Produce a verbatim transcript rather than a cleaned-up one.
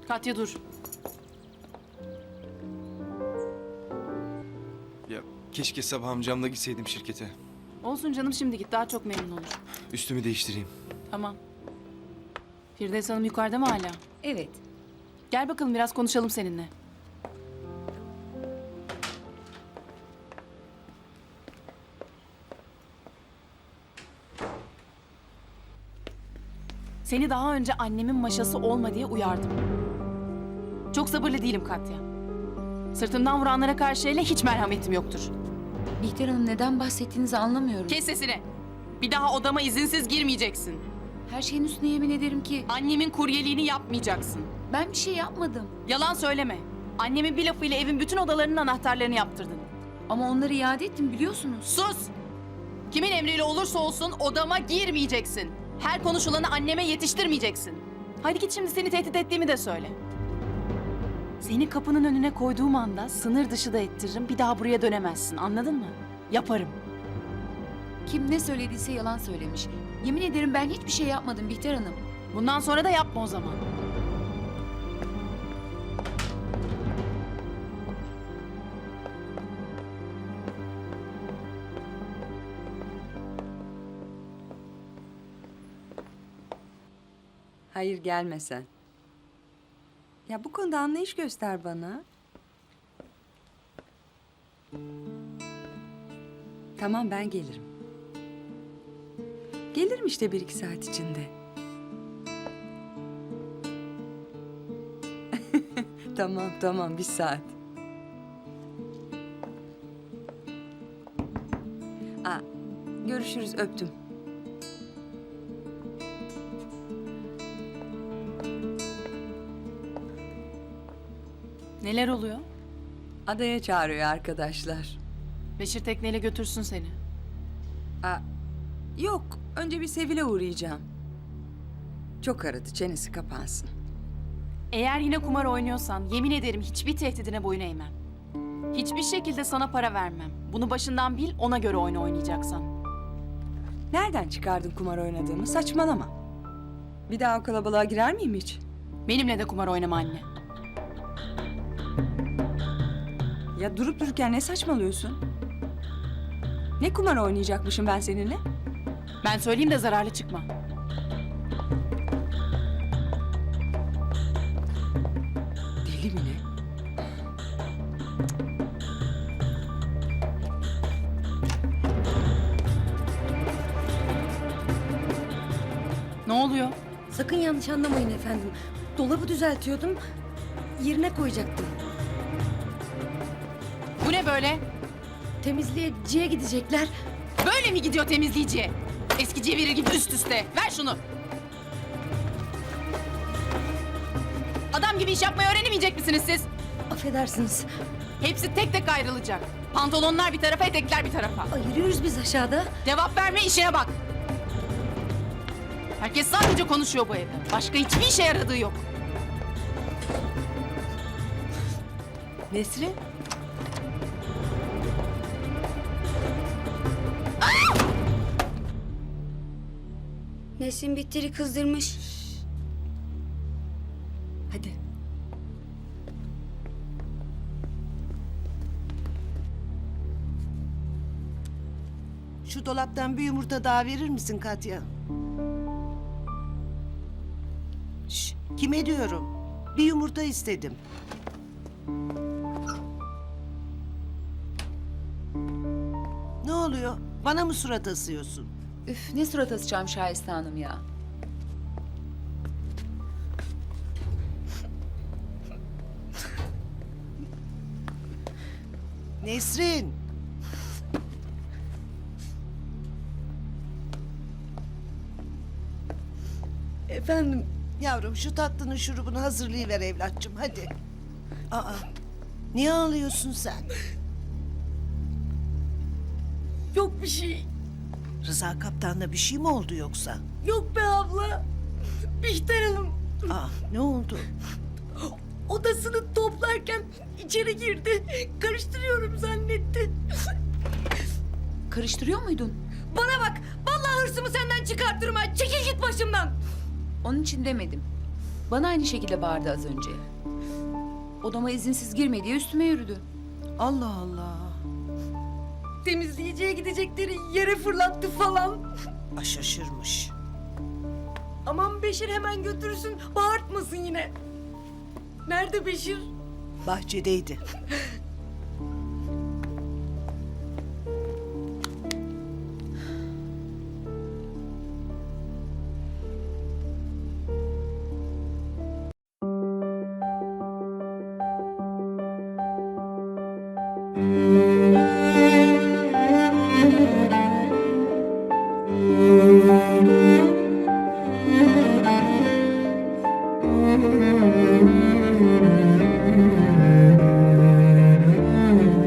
Katya dur. Ya keşke sabah amcamla gitseydim şirkete. Olsun canım, şimdi git, daha çok memnun olur. Üstümü değiştireyim. Tamam. Firdevs Hanım yukarıda mı hala? Evet. Gel bakalım, biraz konuşalım seninle. Seni daha önce annemin maşası olma diye uyardım. Çok sabırlı değilim Katya. Sırtımdan vuranlara karşı hele hiç merhametim yoktur. Bihter Hanım, neden bahsettiğinizi anlamıyorum. Kes sesini. Bir daha odama izinsiz girmeyeceksin. Her şeyin üstüne yemin ederim ki Annemin kuryeliğini yapmayacaksın. ben bir şey yapmadım. Yalan söyleme. Annemin bir lafıyla evin bütün odalarının anahtarlarını yaptırdın. Ama onları iade ettim, biliyorsunuz. Sus! Kimin emriyle olursa olsun odama girmeyeceksin. Her konuşulanı anneme yetiştirmeyeceksin. Hadi git şimdi, seni tehdit ettiğimi de söyle. Seni kapının önüne koyduğum anda sınır dışı da ettiririm. Bir daha buraya dönemezsin, anladın mı? Yaparım. Kim ne söylediyse yalan söylemiş. Yemin ederim ben hiçbir şey yapmadım Bihter Hanım. Bundan sonra da yapma o zaman. Hayır, gelme sen. Ya bu konuda anlayış göster bana. Tamam, ben gelirim. Gelirim işte bir iki saat içinde. Tamam tamam, bir saat. Aa, görüşürüz, öptüm. Neler oluyor? Adaya çağırıyor arkadaşlar. Beşir tekneyle götürsün seni. Aa, yok, önce bir Sevil'e uğrayacağım. Çok aradı, çenesi kapansın. Eğer yine kumar oynuyorsan yemin ederim hiçbir tehdidine boyun eğmem. Hiçbir şekilde sana para vermem. Bunu başından bil, ona göre oyun oynayacaksan. Nereden çıkardın kumar oynadığımı? Saçmalama. Bir daha o kalabalığa girer miyim hiç? Benimle de kumar oynama anne. Ya durup dururken ne saçmalıyorsun? Ne kumar oynayacakmışım ben seninle? Ben söyleyeyim de zararlı çıkma. Deli mi ne? Ne oluyor? Sakın yanlış anlamayın efendim. Dolabı düzeltiyordum, yerine koyacaktım. Bu ne böyle? Temizleyiciye gidecekler. Böyle mi gidiyor temizleyiciye? Eskiciye verir gibi üst üste. Ver şunu. Adam gibi iş yapmayı öğrenemeyecek misiniz siz? Affedersiniz. Hepsi tek tek ayrılacak. Pantolonlar bir tarafa, etekler bir tarafa. Ayırıyoruz biz aşağıda. Cevap verme, işine bak. Herkes sadece konuşuyor bu evde. Başka hiçbir işe yaradığı yok. Nesrin? Nesrin Bihter'i kızdırmış. Hadi. Şu dolaptan bir yumurta daha verir misin Katya? Şş, kime diyorum? Bir yumurta istedim. Ne oluyor? Bana mı surat asıyorsun? Üf, ne surat asacağım Şahiste Hanım ya. Nesrin! Efendim, Yavrum şu tatlının şurubunu hazırlayıver evlatçım hadi. Aa, niye ağlıyorsun sen? yok bir şey. Rıza kaptanla bir şey mi oldu yoksa? Yok be abla. Bihter Hanım Aa, ne oldu? odasını toplarken içeri girdi. Karıştırıyorum zannetti. Karıştırıyor muydun? Bana bak, vallahi hırsımı senden çıkartırım ha. Çekil git başımdan. Onun için demedim. Bana aynı şekilde bağırdı az önce. Odama izinsiz girme diye üstüme yürüdü. Allah Allah. Temizleyiciye gidecekleri yere fırlattı falan. Aa, şaşırmış. Aman Beşir hemen götürsün, bağırtmasın yine. Nerede Beşir? Bahçedeydi. Müzik